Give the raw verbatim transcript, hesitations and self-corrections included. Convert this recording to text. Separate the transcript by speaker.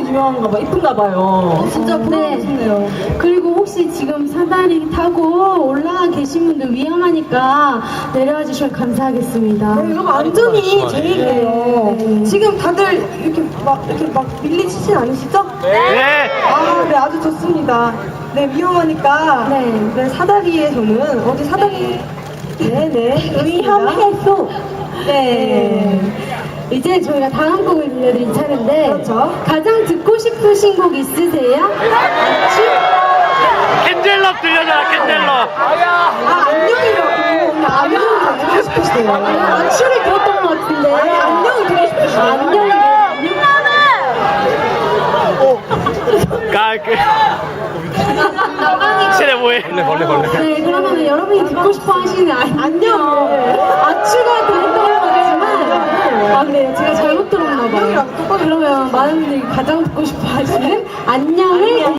Speaker 1: 유명한가 봐, 이쁜가 봐요.
Speaker 2: 진짜 보고 싶네요. 그리고 혹시 지금 사다리 타고 올라가 계신 분들 위험하니까 내려와 주시면 감사하겠습니다.
Speaker 1: 네, 이거 완전히 제 얘기예요.
Speaker 2: 네.
Speaker 1: 지금 다들 이렇게 막 이렇게 막 밀리시진 않으시죠?
Speaker 3: 네.
Speaker 1: 아, 네, 아주 좋습니다. 네, 위험하니까.
Speaker 2: 네.
Speaker 1: 네, 사다리에 저는 어디 사다리. 네, 네. 위험해서. 네.
Speaker 2: 이제 저희가 다음 곡을 들려드릴 차례인데
Speaker 1: 그렇죠.
Speaker 2: 가장 듣고 싶으신 곡 있으세요?
Speaker 3: 캔젤럽 들려줘라, 캔젤럽.
Speaker 1: 아, 안녕이라고. 안녕이 듣고 싶으시대요.
Speaker 2: 안추를 들었던 것 같은데
Speaker 1: 아니, 안녕이 듣고 싶으시대요.
Speaker 2: 안녕이
Speaker 3: 가, 그. 쟤네 뭐해? 벌레, 벌레, 벌레.
Speaker 2: 네, 그러면 여러분이 듣고 싶어 하시는 안- 안녕 아추가 들었던 것 같지만 아 근데 제가 잘못 들었나 봐요. 그러면 많은 분들이 가장 듣고 싶어 하시는 안녕을